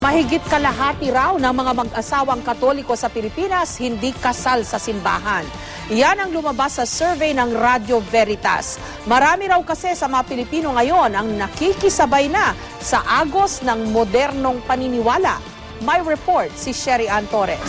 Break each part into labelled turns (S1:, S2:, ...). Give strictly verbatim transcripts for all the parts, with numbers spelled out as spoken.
S1: Mahigit kalahati raw ng mga mag-asawang Katoliko sa Pilipinas hindi kasal sa simbahan. Yan ang lumabas sa survey ng Radyo Veritas. Marami raw kasi sa mga Pilipino ngayon ang nakikisabay na sa agos ng modernong paniniwala. May report si Sherry Ann Torres.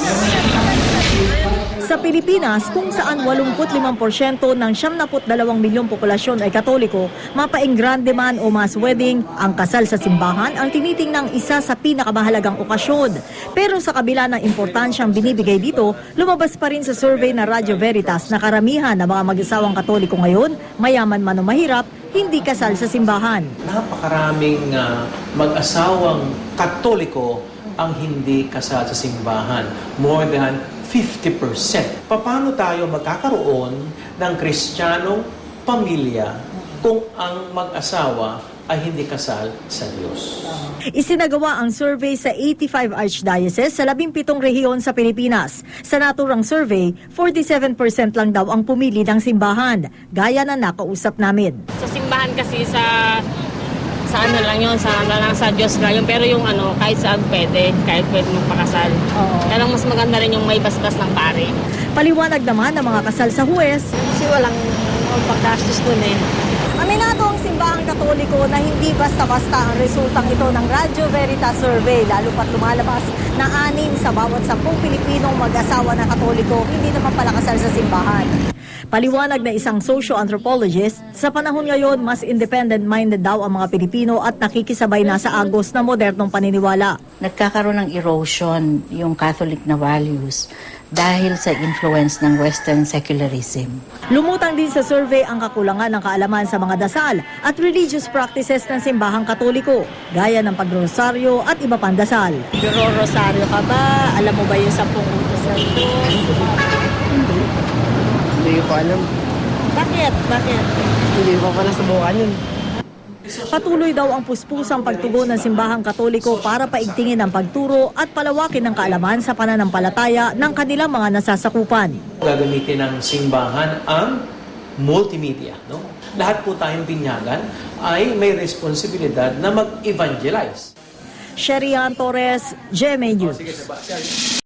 S2: Sa Pilipinas, kung saan eighty-five percent ng ninety-two milyong populasyon ay Katoliko, mapaing grande man o mass wedding, ang kasal sa simbahan ang tinitingnang isa sa pinakamahalagang okasyon. Pero sa kabila ng importansyang binibigay dito, lumabas pa rin sa survey na Radyo Veritas na karamihan ng mga mag-asawang Katoliko ngayon, mayaman man o mahirap, hindi kasal sa simbahan.
S3: Napakaraming uh, mag-asawang Katoliko ang hindi kasal sa simbahan. More than fifty percent. Paano tayo magkakaroon ng Kristiyanong pamilya kung ang mag-asawa ay hindi kasal sa Diyos?
S2: Isinagawa ang survey sa eighty-five archdioceses sa labing-pitong rehiyon sa Pilipinas. Sa naturang survey, forty-seven percent lang daw ang pumili ng simbahan, gaya na nakausap namin.
S4: Sa simbahan kasi sa sa ano lang yun, sa, lang sa Diyos lang yun. Pero yung ano, kahit saan pwede, kahit pwede magpakasal. Oo. Kaya mas maganda rin yung may basbas ng pare.
S2: Paliwanag naman ng mga kasal sa huwes.
S4: Kasi walang pagkastos dun eh.
S2: Aminado ang simbahang Katoliko na hindi basta-basta ang resultang ito ng Radyo Veritas survey, lalo pat lumalabas na anim sa bawat sampung Pilipinong mag-asawa na Katoliko hindi naman pala kasal sa simbahan. Paliwanag na isang socio-anthropologist, sa panahon ngayon mas independent-minded daw ang mga Pilipino at nakikisabay na sa agos na modernong paniniwala.
S5: Nagkakaroon ng erosion yung Catholic na values dahil sa influence ng Western secularism.
S2: Lumutang din sa survey ang kakulangan ng kaalaman sa mga dasal at religious practices ng simbahang Katoliko, gaya ng pagrosaryo at iba pang dasal.
S4: Nagro-rosaryo ka ba? Alam mo ba yung sampung utos ng Diyos?
S6: Hindi. Hindi ko alam.
S4: Bakit? Bakit?
S6: Hindi ko pala subukan yun.
S2: Patuloy daw ang puspusang pagtugon ng simbahang Katoliko para paigtingin ang pagturo at palawakin ng kaalaman sa pananampalataya ng kanilang mga nasasakupan.
S3: Gagamitin ng simbahan ang multimedia. No? Lahat po tayong binyagan ay may responsibilidad na mag-evangelize.
S2: Sherry Ann Torres, G M A News.